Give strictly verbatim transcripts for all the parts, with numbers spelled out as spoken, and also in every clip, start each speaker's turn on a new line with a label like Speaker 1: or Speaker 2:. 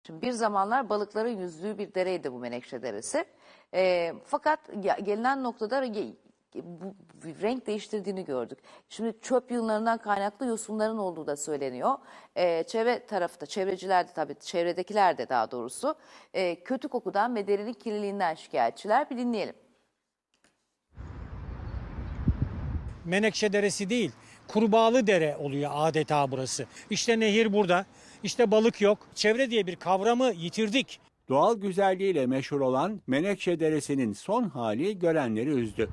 Speaker 1: Şimdi bir zamanlar balıkların yüzdüğü bir dereydi bu Menekşe Deresi. Ee, fakat ya- gelinen noktada re- bu, bu renk değiştirdiğini gördük. Şimdi çöp yığınlarından kaynaklı yosunların olduğu da söyleniyor. Ee, çevre tarafta, çevreciler de tabii, çevredekiler de daha doğrusu e, kötü kokudan ve derinin kirliliğinden şikayetçiler. Bir dinleyelim.
Speaker 2: Menekşe Deresi değil, Kurbağalı Dere oluyor adeta burası. İşte nehir burada, işte balık yok. Çevre diye bir kavramı yitirdik.
Speaker 3: Doğal güzelliğiyle meşhur olan Menekşe Deresi'nin son hali görenleri üzdü.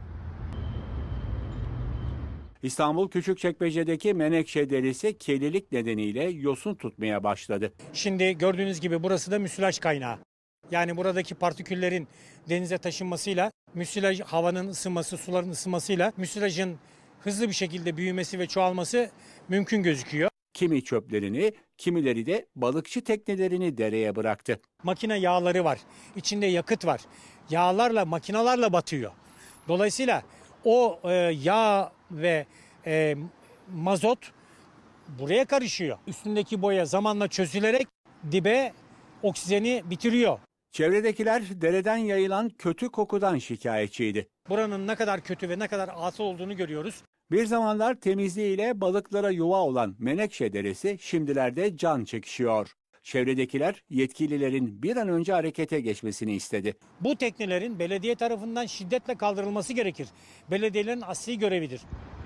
Speaker 3: İstanbul Küçükçekmece'deki Menekşe Deresi kirlilik nedeniyle yosun tutmaya başladı.
Speaker 2: Şimdi gördüğünüz gibi burası da müsilaj kaynağı. Yani buradaki partiküllerin denize taşınmasıyla, müsilaj havanın ısınması, suların ısınmasıyla müsilajın hızlı bir şekilde büyümesi ve çoğalması mümkün gözüküyor.
Speaker 3: Kimi çöplerini, kimileri de balıkçı teknelerini dereye bıraktı.
Speaker 2: Makine yağları var, içinde yakıt var. Yağlarla, makinalarla batıyor. Dolayısıyla o e, yağ ve e, mazot buraya karışıyor. Üstündeki boya zamanla çözülerek dibe oksijeni bitiriyor.
Speaker 3: Çevredekiler dereden yayılan kötü kokudan şikayetçiydi.
Speaker 2: Buranın ne kadar kötü ve ne kadar atıl olduğunu görüyoruz.
Speaker 3: Bir zamanlar temizliğiyle balıklara yuva olan Menekşe Deresi şimdilerde can çekişiyor. Çevredekiler yetkililerin bir an önce harekete geçmesini istedi.
Speaker 2: Bu teknelerin belediye tarafından şiddetle kaldırılması gerekir. Belediyelerin asli görevidir.